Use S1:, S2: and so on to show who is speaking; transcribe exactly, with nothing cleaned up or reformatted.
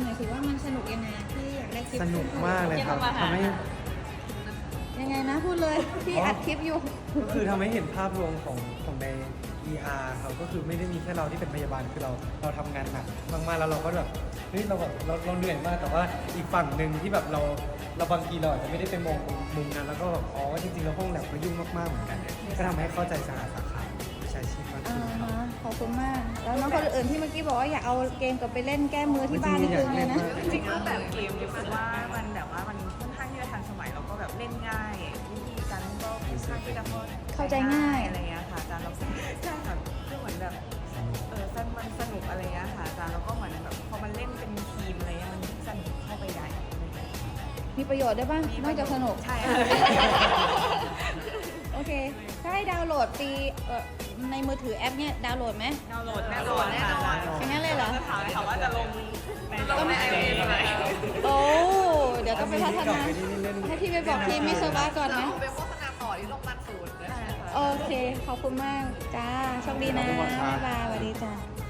S1: หน่อยสิว่ามันสนุกยังไงที่อยากได้คลิป
S2: สนุกมากเลยครับทำให้
S1: ยังไงนะพูดเลยพี่อัดคลิปอยู่
S2: ก็คือทำให้เห็นภาพรวมของของใน อี อาร์ ครับก็คือไม่ได้มีแค่เราที่เป็นพยาบาลคือเราเราทำงานหนักมากๆแล้วเราก็แบบเฮ้ยเราแบบเราเราเหนื่อยมากแต่ว่าอีกฝั่งหนึ่งที่แบบเราเราบางทีเราอาจจะไม่ได้ไปมองมุมนั้นแล้วก็แบบอ๋อจริงๆแล้วห้องแลบก็ยุ่งมากๆเหมือนกันก็ทำให้เข้าใจสาขาสาขาวิชาชีพมาก
S1: อ่า
S2: ขึ้นครับ
S1: ฮะขอบคุณมาก แล้วน้องคนอื่นที่เมื่อกี้บอกว่าอยากเอาเกมกลับไปเล่นแก้มือที่บ้านนี่คือไงนะ
S3: จริงๆแล้วแบบเกมรู้สึกว่ามันแบบว่ามันค่อนข้างที่จะทันสมัยแล้วก็แบบเล่นง่ายวิธีการเล่นก็ค่อนข้างที่จะ
S1: เข้าใจง่าย
S3: อะไรเงี้ยค่ะอาจารย์เราใช่ค่ะคือเหมือนแบบเออสนมันสนุกอะไรเงี้ยค่ะอาจารย์แล้วก็เหมือนแบบพอมันเล่นเป็นทีมอะไรเงี้ยมันสนุกเข้าไปใหญ่อะไรเงี้ย
S1: มีประโยชน์ได้วยป่ะนอกจากสนุก
S3: ใช่ค่ะ
S1: โอเค ถ้าให้ดาวน์โหลดฟรีเอ่อในมือถือแอปเนี่ยดาวน์โหลดไหม
S3: ดาวน์โหลดแน่นอนแน่นอน
S1: อย่างนั้นเลยเหรอ
S3: จะถามถามว่าจะลงลงในไอโอเอสไหม
S1: โอ้ เดี๋ยวต้องไปพัฒนา
S2: อันนี้นี่เล่น
S1: ให้พี่ไปบอกทีมมิสวะก่อนไหม
S4: เอาไปโฆษณาต่อที่โรงพยาบาลศูนย์เลย
S1: โอเค ขอบคุณมาก จ้า โชคดีนะ บ๊ายบายสวัสดีจ้า